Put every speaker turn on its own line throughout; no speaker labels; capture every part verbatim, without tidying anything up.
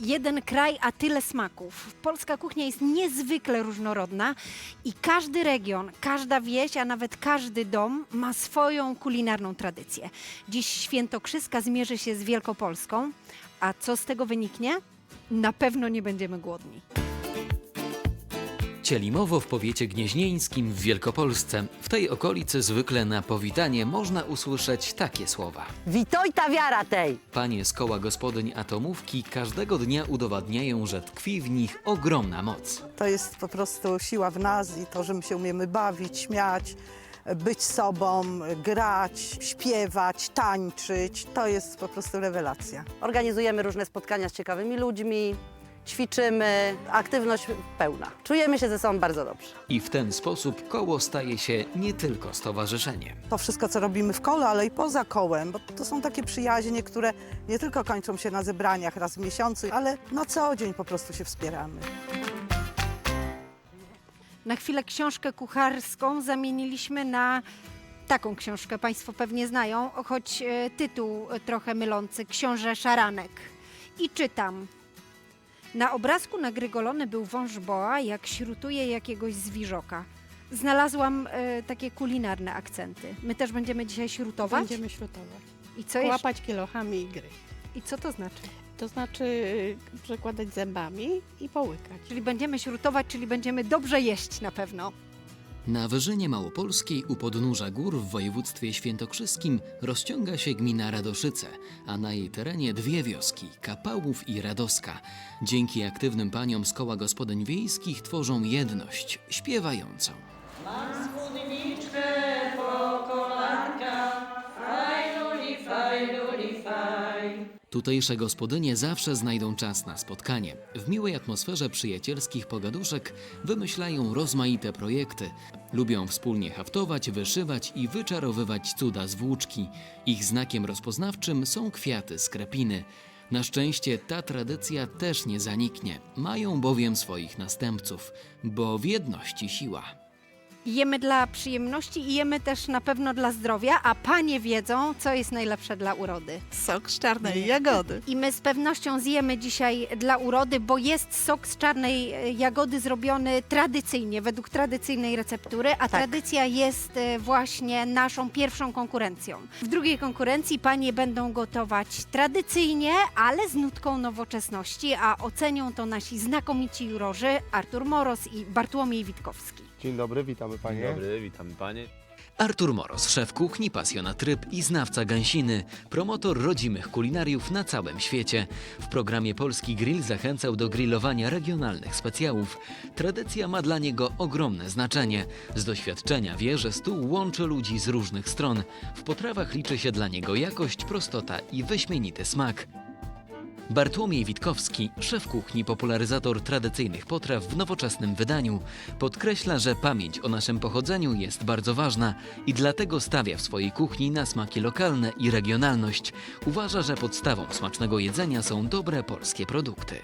Jeden kraj, a tyle smaków. Polska kuchnia jest niezwykle różnorodna i każdy region, każda wieś, a nawet każdy dom ma swoją kulinarną tradycję. Dziś Świętokrzyska zmierzy się z Wielkopolską, a co z tego wyniknie? Na pewno nie będziemy głodni.
Cielimowo w powiecie gnieźnieńskim w Wielkopolsce. W tej okolicy zwykle na powitanie można usłyszeć takie słowa.
Witoj ta wiara tej!
Panie z koła gospodyń atomówki każdego dnia udowadniają, że tkwi w nich ogromna moc.
To jest po prostu siła w nas i to, że my się umiemy bawić, śmiać, być sobą, grać, śpiewać, tańczyć. To jest po prostu rewelacja.
Organizujemy różne spotkania z ciekawymi ludźmi, ćwiczymy, aktywność pełna. Czujemy się ze sobą bardzo dobrze.
I w ten sposób koło staje się nie tylko stowarzyszeniem.
To wszystko, co robimy w kole, ale i poza kołem, bo to są takie przyjaźnie, które nie tylko kończą się na zebraniach raz w miesiącu, ale na co dzień po prostu się wspieramy.
Na chwilę książkę kucharską zamieniliśmy na taką książkę, Państwo pewnie znają, choć e, tytuł e, trochę mylący, Książę Szaranek. I czytam. Na obrazku nagrygolony był wąż boa, jak śrutuje jakiegoś zwierzoka. Znalazłam e, takie kulinarne akcenty. My też będziemy dzisiaj śrutować?
Będziemy śrutować.
I co, jeszcze?
Łapać kilochami i gryźć.
I co to znaczy?
To znaczy y, przekładać zębami i połykać.
Czyli będziemy śrutować, czyli będziemy dobrze jeść na pewno.
Na Wyżynie Małopolskiej u podnóża gór w województwie świętokrzyskim rozciąga się gmina Radoszyce, a na jej terenie dwie wioski – Kapałów i Radoska. Dzięki aktywnym paniom z koła gospodyń wiejskich tworzą jedność śpiewającą.
Mam spódniczkę po kolanka, fajluli, fajluli, faj.
Tutejsze gospodynie zawsze znajdą czas na spotkanie. W miłej atmosferze przyjacielskich pogaduszek wymyślają rozmaite projekty. Lubią wspólnie haftować, wyszywać i wyczarowywać cuda z włóczki. Ich znakiem rozpoznawczym są kwiaty z krepiny. Na szczęście ta tradycja też nie zaniknie. Mają bowiem swoich następców, bo w jedności siła.
Jemy dla przyjemności i jemy też na pewno dla zdrowia, a panie wiedzą, co jest najlepsze dla urody.
Sok z czarnej jagody.
I my z pewnością zjemy dzisiaj dla urody, bo jest sok z czarnej e, jagody zrobiony tradycyjnie, według tradycyjnej receptury, a tradycja jest e, właśnie naszą pierwszą konkurencją. W drugiej konkurencji panie będą gotować tradycyjnie, ale z nutką nowoczesności, a ocenią to nasi znakomici jurorzy Artur Moros i Bartłomiej Witkowski.
Dzień dobry, witamy panie.
Dzień dobry, witamy panie.
Artur Moros, szef kuchni, pasjonat ryb i znawca gęsiny, promotor rodzimych kulinariów na całym świecie. W programie Polski Grill zachęcał do grillowania regionalnych specjałów. Tradycja ma dla niego ogromne znaczenie. Z doświadczenia wie, że stół łączy ludzi z różnych stron. W potrawach liczy się dla niego jakość, prostota i wyśmienity smak. Bartłomiej Witkowski, szef kuchni, popularyzator tradycyjnych potraw w nowoczesnym wydaniu, podkreśla, że pamięć o naszym pochodzeniu jest bardzo ważna i dlatego stawia w swojej kuchni na smaki lokalne i regionalność. Uważa, że podstawą smacznego jedzenia są dobre polskie produkty.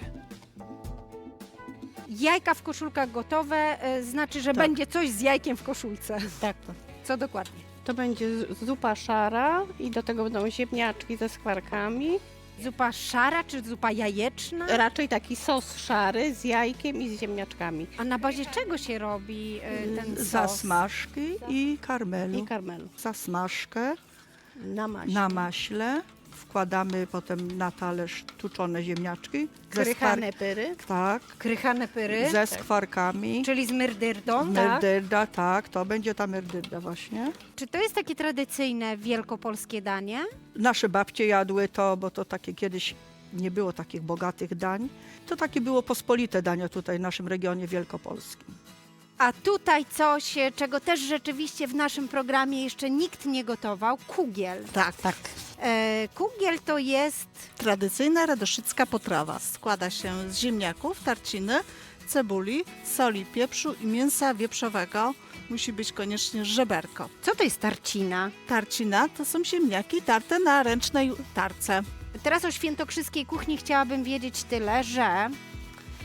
Jajka w koszulkach gotowe, e, znaczy, że
Tak.
będzie coś z jajkiem w koszulce.
Tak.
Co dokładnie?
To będzie z- zupa szara i do tego będą ziemniaczki ze skwarkami.
Zupa szara czy zupa jajeczna?
Raczej taki sos szary z jajkiem i z ziemniaczkami
A na bazie czego się robi e, ten sos?
Zasmażki i karmelu.
i karmelu
Zasmażkę
na maśle.
na maśle. Wkładamy potem na talerz tuczone ziemniaczki. ze
Krychane
skwar-
pyry,
Tak,
krychane pyry,
ze skwarkami.
czyli z myrdyrdą, tak?
Merdyrda, tak, to będzie ta merdyrda właśnie.
Czy to jest takie tradycyjne wielkopolskie danie?
Nasze babcie jadły to, bo to takie kiedyś nie było takich bogatych dań. To takie było pospolite danie tutaj w naszym regionie wielkopolskim.
A tutaj coś, e, czego też rzeczywiście w naszym programie jeszcze nikt nie gotował, kugiel.
Tak, tak.
E, kugiel to jest
Tradycyjna radoszycka potrawa. Składa się z ziemniaków, tarciny, cebuli, soli, pieprzu i mięsa wieprzowego. Musi być koniecznie żeberko.
Co to jest tarcina?
Tarcina to są ziemniaki tarte na ręcznej tarce.
Teraz o świętokrzyskiej kuchni chciałabym wiedzieć tyle, że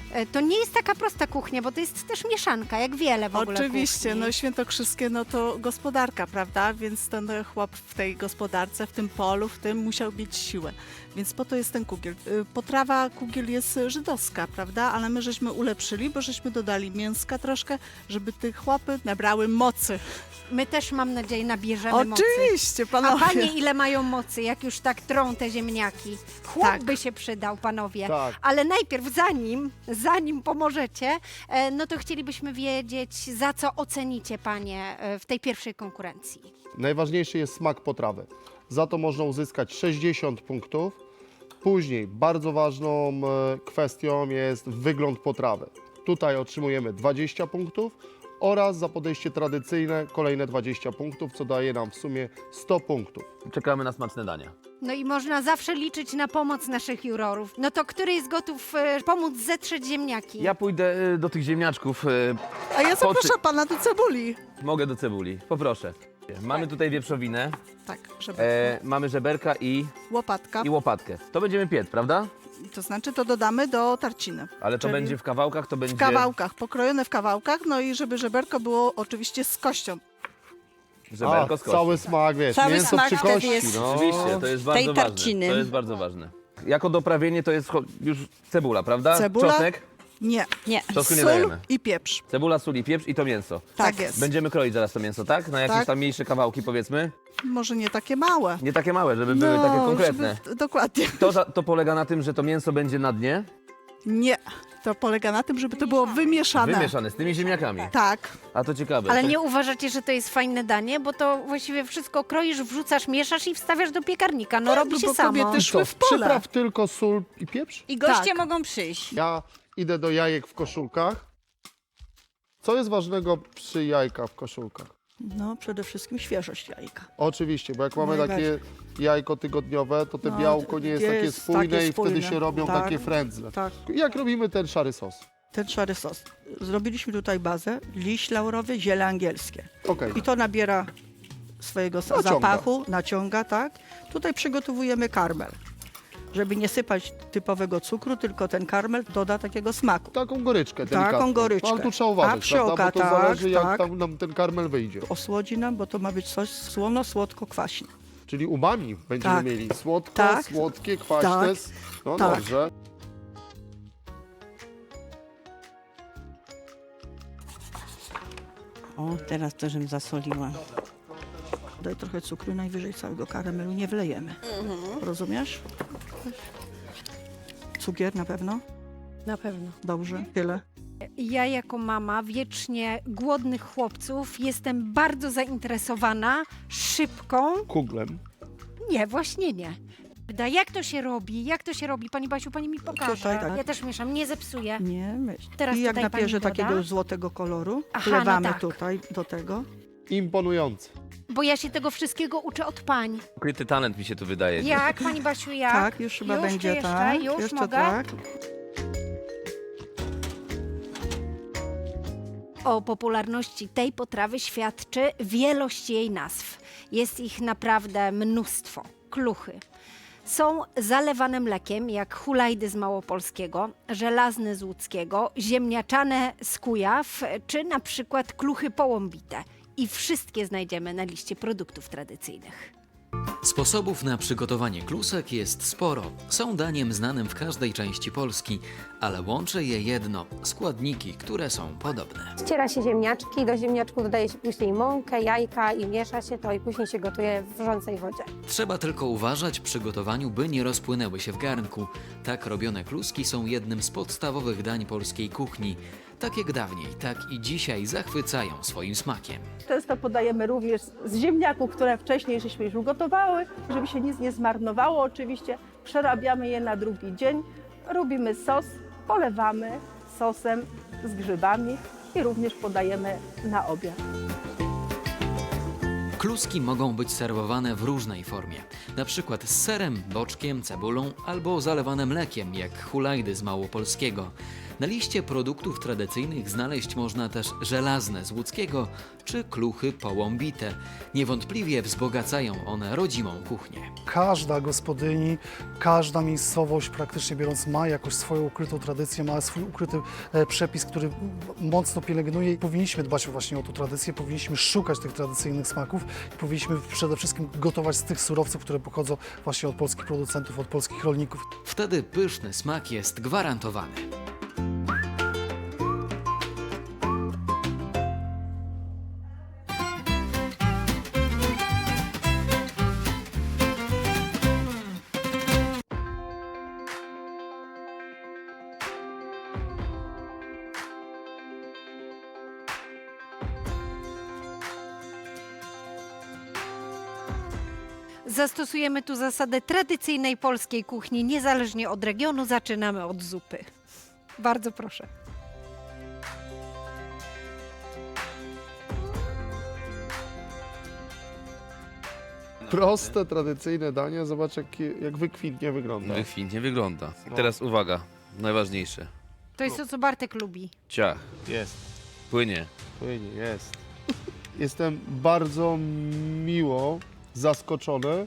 E, To nie jest taka prosta kuchnia, bo to jest też mieszanka, jak wiele w ogóle
Oczywiście,
kuchni.
no świętokrzyskie no to gospodarka, prawda? Więc ten chłop w tej gospodarce, w tym polu, w tym musiał mieć siłę. Więc po to jest ten kugiel. Y, Potrawa kugiel jest żydowska, prawda? Ale my żeśmy ulepszyli, bo żeśmy dodali mięska troszkę, żeby te chłopy nabrały mocy.
My też, mam nadzieję, nabierzemy mocy.
Oczywiście,
A
panowie.
panie ile mają mocy, jak już tak trą te ziemniaki? Chłop
Tak.
by się przydał, panowie.
Tak.
Ale najpierw, zanim, zanim pomożecie, e, no to chcielibyśmy wiedzieć, za co ocenicie panie e, w tej pierwszej konkurencji.
Najważniejszy jest smak potrawy. Za to można uzyskać sześćdziesiąt punktów. Później bardzo ważną e, kwestią jest wygląd potrawy. Tutaj otrzymujemy dwadzieścia punktów oraz za podejście tradycyjne kolejne dwadzieścia punktów, co daje nam w sumie sto punktów.
Czekamy na smaczne dania.
No i można zawsze liczyć na pomoc naszych jurorów. No to który jest gotów e, pomóc zetrzeć ziemniaki?
Ja pójdę y, do tych ziemniaczków. y,
A ja
Po
zapraszam pana do cebuli.
Mogę do cebuli, poproszę. Mamy tutaj wieprzowinę,
Tak, żeby
e, mamy żeberka i,
łopatka.
i łopatkę. To będziemy piec, prawda?
To znaczy to dodamy do tarciny.
Ale to
Czyli
będzie w kawałkach, to będzie...
W kawałkach, pokrojone w kawałkach, no i żeby żeberko było oczywiście z kością.
Żeberko
A,
z kości.
cały smak, wiesz,
Cały
mięso
smak
przy
wtedy
kości.
jest-
No.
Oczywiście, to jest
tej
bardzo ważne.
tarciny.
To jest bardzo ważne. Jako doprawienie to jest cho- już cebula, prawda?
Cebula?
Czosnek,
Nie.
Nie.
czosnku nie
Sól
dajemy.
i pieprz.
Cebula, sól i pieprz i to mięso.
Tak jest.
Będziemy kroić zaraz to mięso, tak? Na jakieś
Tak.
tam mniejsze kawałki, powiedzmy.
Może nie takie małe.
Nie takie małe, żeby były takie konkretne.
Żeby, dokładnie.
To, za- to polega na tym, że to mięso będzie na dnie,
Nie. To polega na tym, żeby to było wymieszane.
wymieszane z tymi ziemniakami.
Tak.
A to ciekawe.
Ale nie uważacie, że to jest fajne danie? Bo to właściwie wszystko kroisz, wrzucasz, mieszasz i wstawiasz do piekarnika. No
Tak,
robi
no
się
bo
samo.
kobiety
I
szły
co,
w pole.
przypraw tylko sól i pieprz?
I goście
Tak.
mogą przyjść.
Ja idę do jajek w koszulkach. Co jest ważnego przy jajkach w koszulkach?
No przede wszystkim świeżość jajka.
Oczywiście, bo jak mamy
Najbardziej.
takie jajko tygodniowe, to te
No,
białko nie jest,
jest
takie spójne
takie
i wtedy
spójne.
się robią
Tak.
takie frędzle.
Tak,
Jak robimy ten szary sos?
ten szary sos. Zrobiliśmy tutaj bazę, liść laurowy, ziele angielskie.
Okej.
I to nabiera swojego sa-
Naciąga.
zapachu, naciąga, tak. Tutaj przygotowujemy karmel. Żeby nie sypać typowego cukru, tylko ten karmel doda takiego smaku.
Taką goryczkę
Taką
delikatną.
goryczkę.
Ale tu trzeba uważać,
A przy
prawda?
oka,
Bo to
tak,
zależy, jak
tak.
tam nam ten karmel wyjdzie.
Osłodzi nam, bo to ma być coś słono-słodko-kwaśne.
Czyli umami będziemy
Tak.
mieli słodko,
Tak.
słodkie, kwaśne.
Tak.
No
Tak.
dobrze.
O, teraz to, żem zasoliła.
Daj trochę cukru, najwyżej całego karamelu nie wlejemy. Rozumiesz? Cukier na pewno?
Na pewno.
Dobrze, tyle.
Ja jako mama wiecznie głodnych chłopców jestem bardzo zainteresowana szybką.
Kuglem.
Nie, właśnie nie. Da, Jak to się robi? Jak to się robi? Pani Basiu, pani mi pokaże.
Tutaj tak.
Ja też mieszam, nie zepsuję.
Nie, myśl.
Teraz
I jak
tutaj pani
nabierze
doda?
takiego złotego koloru,
Aha, no
wlewamy
tak.
tutaj do tego.
Imponujące.
Bo ja się tego wszystkiego uczę od pań.
Ukryty talent mi się tu wydaje.
Jak, pani Basiu, jak?
Tak, już chyba
Już czy
będzie
jeszcze?
tak.
Już
jeszcze
mogę?
tak.
O popularności tej potrawy świadczy wielość jej nazw. Jest ich naprawdę mnóstwo. Kluchy. Są zalewane mlekiem, jak hulajdy z małopolskiego, żelazne z łódzkiego, ziemniaczane z Kujaw, czy na przykład kluchy połąbite. I wszystkie znajdziemy na liście produktów tradycyjnych.
Sposobów na przygotowanie klusek jest sporo. Są daniem znanym w każdej części Polski, ale łączy je jedno – składniki, które są podobne.
Ściera się ziemniaczki, do ziemniaczków dodaje się później mąkę, jajka i miesza się to i później się gotuje w wrzącej wodzie.
Trzeba tylko uważać przy gotowaniu, by nie rozpłynęły się w garnku. Tak robione kluski są jednym z podstawowych dań polskiej kuchni. Tak jak dawniej, tak i dzisiaj zachwycają swoim smakiem.
Często podajemy również z ziemniaków, które wcześniej żeśmy już ugotowały, żeby się nic nie zmarnowało oczywiście. Przerabiamy je na drugi dzień, robimy sos, polewamy sosem z grzybami i również podajemy na obiad.
Kluski mogą być serwowane w różnej formie, na przykład z serem, boczkiem, cebulą albo zalewane mlekiem, jak hulajdy z małopolskiego. Na liście produktów tradycyjnych znaleźć można też żelazne z łódzkiego czy kluchy połąbite. Niewątpliwie wzbogacają one rodzimą kuchnię.
Każda gospodyni, każda miejscowość praktycznie biorąc ma jakoś swoją ukrytą tradycję, ma swój ukryty e, przepis, który mocno pielęgnuje i powinniśmy dbać właśnie o tą tradycję, powinniśmy szukać tych tradycyjnych smaków i powinniśmy przede wszystkim gotować z tych surowców, które pochodzą właśnie od polskich producentów, od polskich rolników.
Wtedy pyszny smak jest gwarantowany.
Zastosujemy tu zasadę tradycyjnej polskiej kuchni, niezależnie od regionu. Zaczynamy od zupy. Bardzo proszę.
Proste, tradycyjne danie, zobacz jak, jak wykwintnie wygląda.
Wykwintnie wygląda.
No.
Teraz uwaga, najważniejsze.
To jest to, co Bartek lubi.
Ciach,
Jest.
płynie.
Płynie, jest. Jestem bardzo miło zaskoczony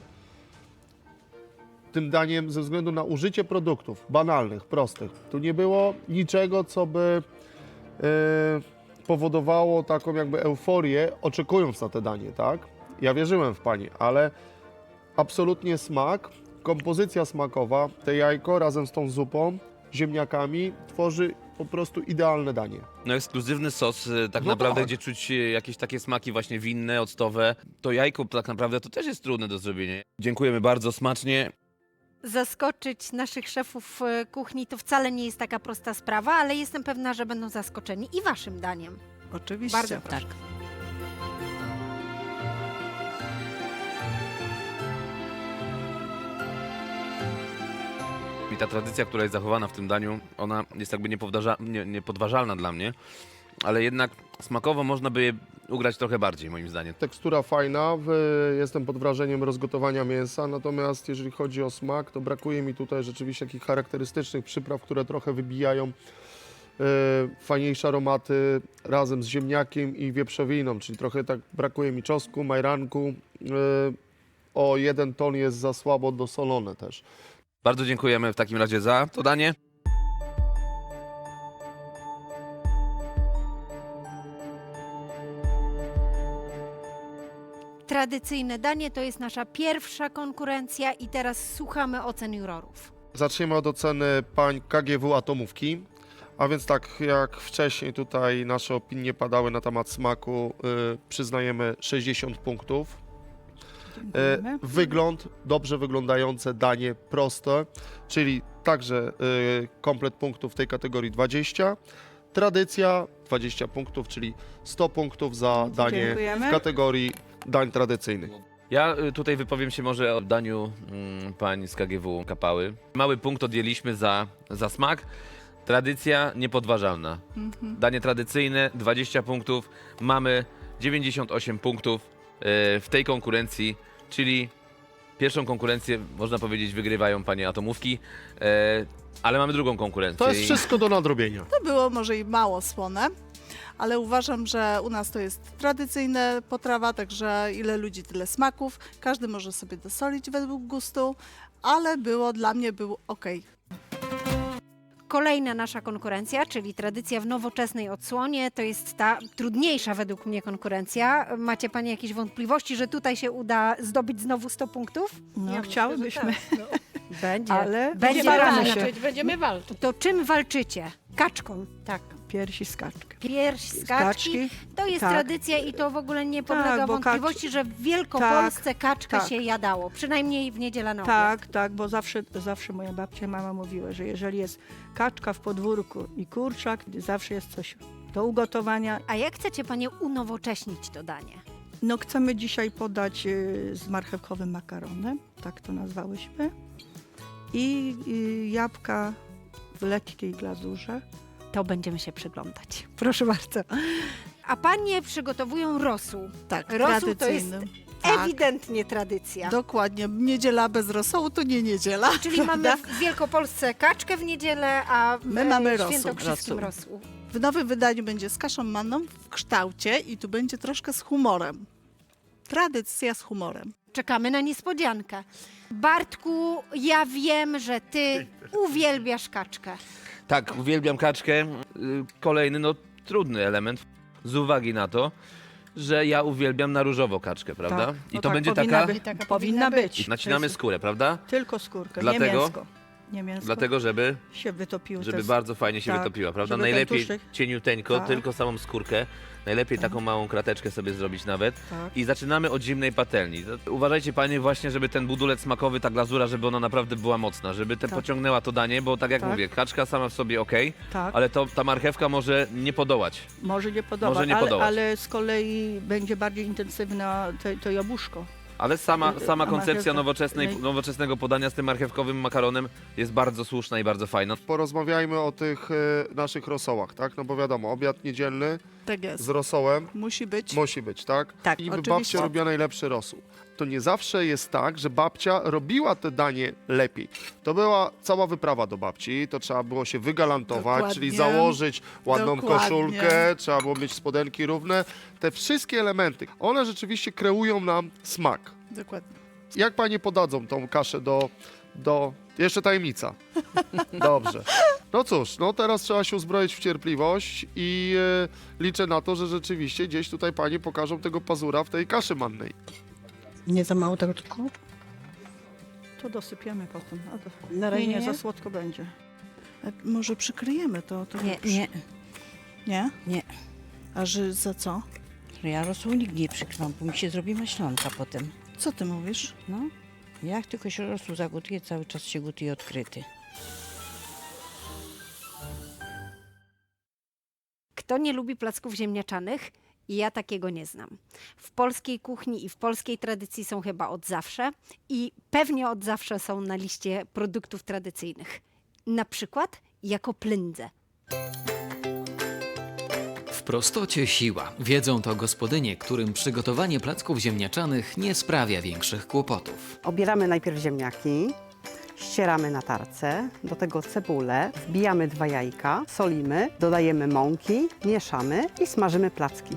tym daniem ze względu na użycie produktów banalnych, prostych. Tu nie było niczego, co by e, powodowało taką jakby euforię, oczekując na te danie, tak? Ja wierzyłem w Pani, ale absolutnie smak, kompozycja smakowa, te jajko razem z tą zupą, ziemniakami tworzy po prostu idealne danie.
No ekskluzywny sos, y, tak
No
naprawdę,
tak.
gdzie czuć y, jakieś takie smaki właśnie winne, octowe. To jajko tak naprawdę to też jest trudne do zrobienia. Dziękujemy bardzo, smacznie.
Zaskoczyć naszych szefów e, kuchni to wcale nie jest taka prosta sprawa, ale jestem pewna, że będą zaskoczeni i waszym daniem.
Oczywiście.
Bardzo proszę.
I ta tradycja, która jest zachowana w tym daniu, ona jest jakby niepowdarza- nie, niepodważalna dla mnie, ale jednak smakowo można by je ugrać trochę bardziej, moim zdaniem.
Tekstura fajna, w, jestem pod wrażeniem rozgotowania mięsa, natomiast jeżeli chodzi o smak, to brakuje mi tutaj rzeczywiście takich charakterystycznych przypraw, które trochę wybijają e, fajniejsze aromaty razem z ziemniakiem i wieprzowiną, czyli trochę tak brakuje mi czosnku, majranku. E, o jeden ton jest za słabo dosolone też.
Bardzo dziękujemy w takim razie za to danie.
Tradycyjne danie to jest nasza pierwsza konkurencja i teraz słuchamy ocen jurorów.
Zaczniemy od oceny pań K G W Atomówki. A więc tak jak wcześniej tutaj nasze opinie padały na temat smaku, y, przyznajemy sześćdziesiąt punktów.
Dziękujemy.
Y, wygląd, dobrze wyglądające danie, proste, czyli także y, komplet punktów w tej kategorii dwadzieścia. Tradycja dwadzieścia punktów, czyli sto punktów za danie
Dziękujemy.
w kategorii dań tradycyjnych.
Ja y, tutaj wypowiem się może o daniu mm, pań z K G W Kapały. Mały punkt odjęliśmy za, za smak. Tradycja niepodważalna.
Mhm.
Danie tradycyjne, dwadzieścia punktów. Mamy dziewięćdziesiąt osiem punktów y, w tej konkurencji, czyli pierwszą konkurencję, można powiedzieć, wygrywają panie atomówki, y, ale mamy drugą konkurencję.
To jest
i-
wszystko do nadrobienia.
To było może i mało słone, ale uważam, że u nas to jest tradycyjna potrawa, także ile ludzi, tyle smaków. Każdy może sobie dosolić według gustu, ale było dla mnie był ok.
Kolejna nasza konkurencja, czyli tradycja w nowoczesnej odsłonie, to jest ta trudniejsza według mnie konkurencja. Macie Panie jakieś wątpliwości, że tutaj się uda zdobyć znowu sto punktów?
No,
Ja
chciałybyśmy,
myślę, że tak,
Będzie.
ale
Będzie
Będziemy
staramy
walczyć.
się.
walczyć, będziemy walczyć.
To czym walczycie? Kaczką.
Tak.
Piersi z kaczkiem.
Pierś z kaczki. To jest
tak.
tradycja i to w ogóle nie podlega
Tak, bo
wątpliwości, że w Wielkopolsce kaczkę
tak.
się jadało. Przynajmniej w niedzielę na obiad.
Tak, tak, bo zawsze, zawsze moja babcia, mama mówiła, że jeżeli jest kaczka w podwórku i kurczak, zawsze jest coś do ugotowania.
A jak chcecie Panie unowocześnić to danie?
No chcemy dzisiaj podać y, z marchewkowym makaronem, tak to nazwałyśmy, i y, jabłka w lekkiej glazurze.
To będziemy się przyglądać. Proszę bardzo. A Panie przygotowują rosół.
Tak,
Rosół to jest
tradycyjny. Tak.
ewidentnie tradycja.
Dokładnie. Niedziela bez rosołu to nie niedziela.
Czyli mamy
prawda?
w Wielkopolsce kaczkę w niedzielę, a w
My
e,
mamy rosół.
świętokrzyskim rosół.
W nowym wydaniu będzie z kaszą manną w kształcie i tu będzie troszkę z humorem. Tradycja z humorem.
Czekamy na niespodziankę. Bartku, ja wiem, że ty uwielbiasz kaczkę.
Tak, uwielbiam kaczkę. Y, Kolejny, no trudny element z uwagi na to, że ja uwielbiam na różowo kaczkę, prawda?
Tak.
I
No
to
tak,
będzie
powinna
taka...
być, taka powinna być.
I nacinamy skórę, prawda?
Tylko skórkę,
Dlatego-
nie mięsko. Nie mięsko.
Dlatego, żeby,
się wytopił.
żeby
też.
bardzo fajnie się
tak,
wytopiła, prawda?
żeby ten
Najlepiej
tłuszczyk-
cieniuteńko,
Tak.
tylko samą skórkę. Najlepiej taką małą krateczkę sobie zrobić nawet.
Tak.
I zaczynamy od zimnej patelni. To Uważajcie panie właśnie, żeby ten budulec smakowy, ta glazura, żeby ona naprawdę była mocna, żeby te
Tak.
pociągnęła to danie, bo tak jak
Tak.
mówię, kaczka sama w sobie ok,
Tak.
ale to ta marchewka może nie podołać.
Może nie podobać,
Może nie
ale,
podobać.
ale z kolei będzie bardziej intensywna to, to jabłuszko.
Ale sama,
Y,
sama
a
koncepcja
marchewka?
nowoczesnej,
Lej-
nowoczesnego podania z tym marchewkowym makaronem jest bardzo słuszna i bardzo fajna.
Porozmawiajmy o tych e, naszych rosołach, tak? No bo wiadomo, obiad niedzielny
Tak jest.
z rosołem
Musi być.
musi być, tak?
Tak,
I niby
oczywiście.
babcia robiła najlepszy rosół. To nie zawsze jest tak, że babcia robiła te danie lepiej. To była cała wyprawa do babci, to trzeba było się wygalantować,
Dokładnie.
czyli założyć ładną
Dokładnie.
koszulkę, trzeba było mieć spodenki równe. Te wszystkie elementy, one rzeczywiście kreują nam smak.
Dokładnie.
Jak panie podadzą tą kaszę do... do... Jeszcze tajemnica. Dobrze. No cóż, no teraz trzeba się uzbroić w cierpliwość i e, liczę na to, że rzeczywiście gdzieś tutaj panie pokażą tego pazura w tej kaszy mannej.
Nie za mało tego cukru?
To dosypiemy potem. A to,
Na razie
nie, nie,
nie?
za słodko będzie.
E, Może przykryjemy to? to
Nie, nie,
Nie?
nie.
A że za co?
Ja rosół nigdy nie przykrywam, bo mi się zrobi maślanka potem.
Co ty mówisz?
No, jak tylko się rosół zagotuje, cały czas się gotuje odkryty.
Kto nie lubi placków ziemniaczanych? Ja takiego nie znam. W polskiej kuchni i w polskiej tradycji są chyba od zawsze i pewnie od zawsze są na liście produktów tradycyjnych. Na przykład jako plędze.
W prostocie siła. Wiedzą to gospodynie, którym przygotowanie placków ziemniaczanych nie sprawia większych kłopotów.
Obieramy najpierw ziemniaki, ścieramy na tarce, do tego cebulę, wbijamy dwa jajka, solimy, dodajemy mąki, mieszamy i smażymy placki.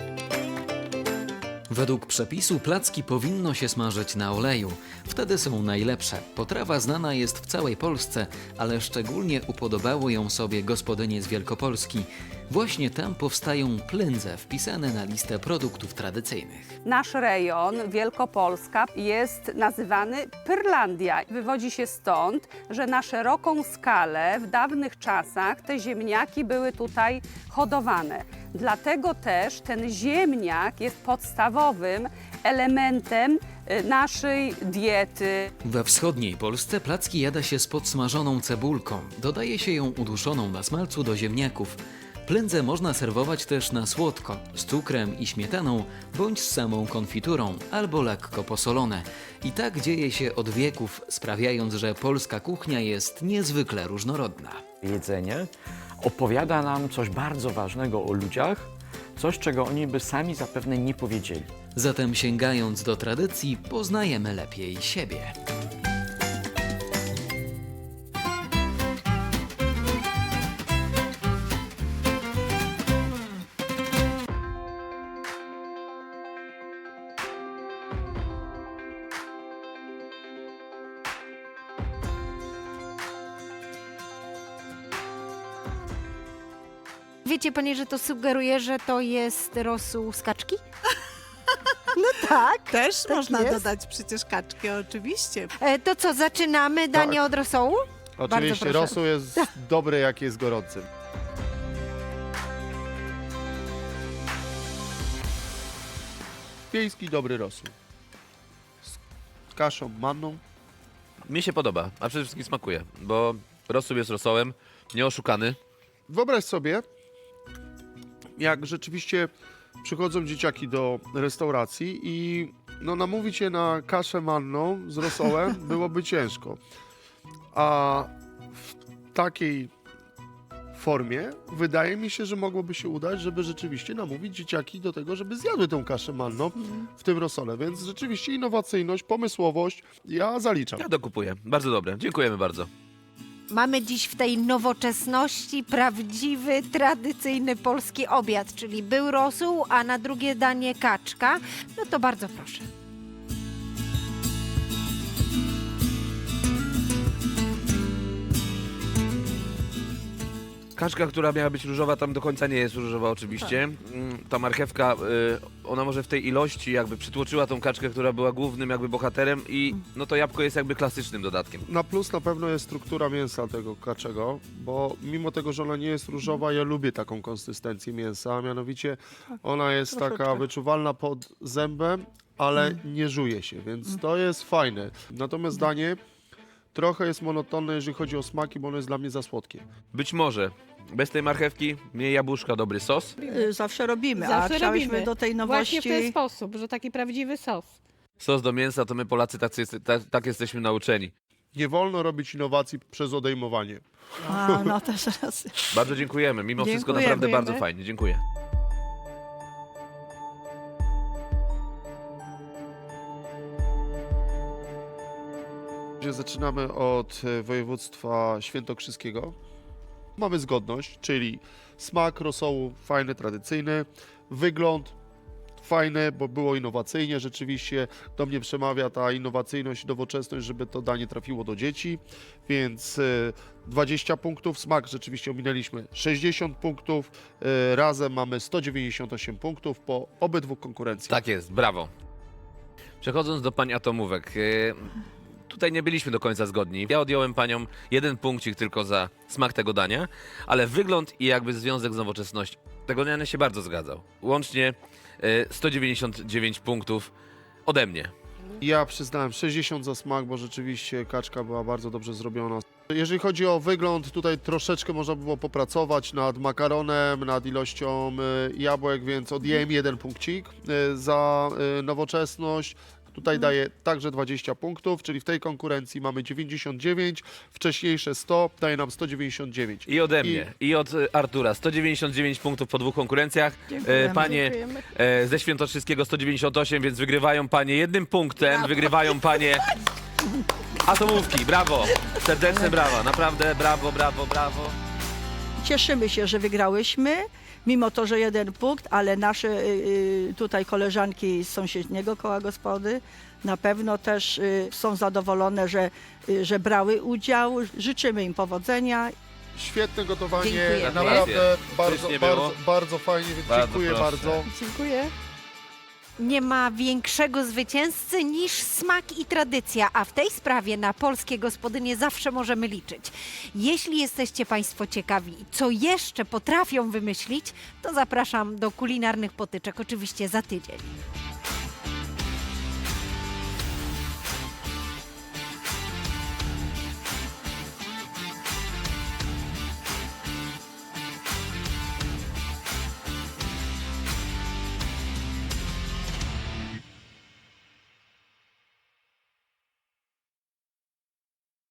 Według przepisu placki powinno się smażyć na oleju. Wtedy są najlepsze. Potrawa znana jest w całej Polsce, ale szczególnie upodobały ją sobie gospodynie z Wielkopolski. Właśnie tam powstają plędze wpisane na listę produktów tradycyjnych.
Nasz rejon, Wielkopolska, jest nazywany Pyrlandia. Wywodzi się stąd, że na szeroką skalę w dawnych czasach te ziemniaki były tutaj hodowane. Dlatego też ten ziemniak jest podstawowym elementem y, naszej diety.
We wschodniej Polsce placki jada się z podsmażoną cebulką. Dodaje się ją uduszoną na smalcu do ziemniaków. Plędzę można serwować też na słodko, z cukrem i śmietaną, bądź z samą konfiturą, albo lekko posolone. I tak dzieje się od wieków, sprawiając, że polska kuchnia jest niezwykle różnorodna.
Jedzenie opowiada nam coś bardzo ważnego o ludziach, coś, czego oni by sami zapewne nie powiedzieli.
Zatem sięgając do tradycji, poznajemy lepiej siebie.
Wiecie panie, że to sugeruje, że to jest rosół z kaczki? No tak.
Też
tak
można
jest.
dodać przecież kaczki, oczywiście.
E, to co, zaczynamy danie
Tak.
od rosołu?
Oczywiście
proszę.
rosół jest dobry, jak jest gorący. Wiejski dobry rosół. Z kaszą manną.
Mi się podoba, a przede wszystkim smakuje, bo rosół jest rosołem, nieoszukany.
Wyobraź sobie, jak rzeczywiście przychodzą dzieciaki do restauracji i no, namówić je na kaszę manną z rosołem byłoby ciężko. A w takiej formie, wydaje mi się, że mogłoby się udać, żeby rzeczywiście namówić dzieciaki do tego, żeby zjadły tą kaszę manną w tym rosole. Więc rzeczywiście innowacyjność, pomysłowość, ja zaliczam.
Ja dokupuję. Bardzo dobre. Dziękujemy bardzo.
Mamy dziś w tej nowoczesności prawdziwy, tradycyjny polski obiad, czyli był rosół, a na drugie danie kaczka. No to bardzo proszę.
Kaczka, która miała być różowa, tam do końca nie jest różowa oczywiście. Mm, Ta marchewka, y, ona może w tej ilości jakby przytłoczyła tą kaczkę, która była głównym jakby bohaterem i no to jabłko jest jakby klasycznym dodatkiem.
Na plus na pewno jest struktura mięsa tego kaczego, bo mimo tego, że ona nie jest różowa, ja lubię taką konsystencję mięsa, a mianowicie ona jest
Troszeczkę.
taka wyczuwalna pod zębem, ale nie żuje się, więc to jest fajne. Natomiast danie trochę jest monotonne, jeżeli chodzi o smaki, bo ono jest dla mnie za słodkie.
Być może bez tej marchewki, mniej jabłuszka, dobry sos.
Y, Zawsze robimy,
Zawsze
a chciałyśmy
robimy.
do tej
Właśnie w ten
nowości...
sposób, że taki prawdziwy sos.
Sos do mięsa, to my Polacy tak, tak, tak jesteśmy nauczeni.
Nie wolno robić innowacji przez odejmowanie.
A, no też raz.
Bardzo dziękujemy. Mimo wszystko
Dziękujemy.
naprawdę bardzo fajnie. Dziękuję.
Zaczynamy od e, województwa świętokrzyskiego. Mamy zgodność, czyli smak rosołu fajny, tradycyjny, wygląd fajny, bo było innowacyjnie, rzeczywiście do mnie przemawia ta innowacyjność i nowoczesność, żeby to danie trafiło do dzieci, więc e, dwadzieścia punktów, smak rzeczywiście ominęliśmy sześćdziesiąt punktów, e, razem mamy sto dziewięćdziesiąt osiem punktów po obydwu konkurencjach.
Tak jest, brawo. Przechodząc do pań atomówek. y, Tutaj nie byliśmy do końca zgodni. Ja odjąłem paniom jeden punkcik tylko za smak tego dania, ale wygląd i jakby związek z nowoczesnością. Tego dania się bardzo zgadzał. Łącznie y, sto dziewięćdziesiąt dziewięć punktów ode mnie.
Ja przyznałem sześćdziesiąt za smak, bo rzeczywiście kaczka była bardzo dobrze zrobiona. Jeżeli chodzi o wygląd, tutaj troszeczkę można było popracować nad makaronem, nad ilością y, jabłek, więc odjąłem jeden punkcik y, za y, nowoczesność. Tutaj daję także dwadzieścia punktów, czyli w tej konkurencji mamy dziewięćdziesiąt dziewięć, wcześniejsze sto, daje nam sto dziewięćdziesiąt dziewięć.
I ode mnie, i od y, Artura. sto dziewięćdziesiąt dziewięć punktów po dwóch konkurencjach.
Dziękujemy.
E, Panie
Dziękujemy.
e, ze Świętokrzyskiego sto dziewięćdziesiąt osiem, więc wygrywają panie jednym punktem, wygrywają panie atomówki. Brawo! Serdeczne brawa, naprawdę brawo, brawo, brawo.
Cieszymy się, że wygrałyśmy, mimo to, że jeden punkt, ale nasze y, y, tutaj koleżanki z sąsiedniego koła gospody na pewno też y, są zadowolone, że, y, że brały udział. Życzymy im powodzenia.
Świetne gotowanie,
Dziękujemy.
naprawdę bardzo,
Pysznie było.
bardzo, bardzo fajnie, więc
Bardzo
dziękuję
proszę.
bardzo.
Dziękuję.
Nie ma większego zwycięzcy niż smak i tradycja, a w tej sprawie na polskie gospodynie zawsze możemy liczyć. Jeśli jesteście Państwo ciekawi, co jeszcze potrafią wymyślić, to zapraszam do kulinarnych potyczek, oczywiście za tydzień.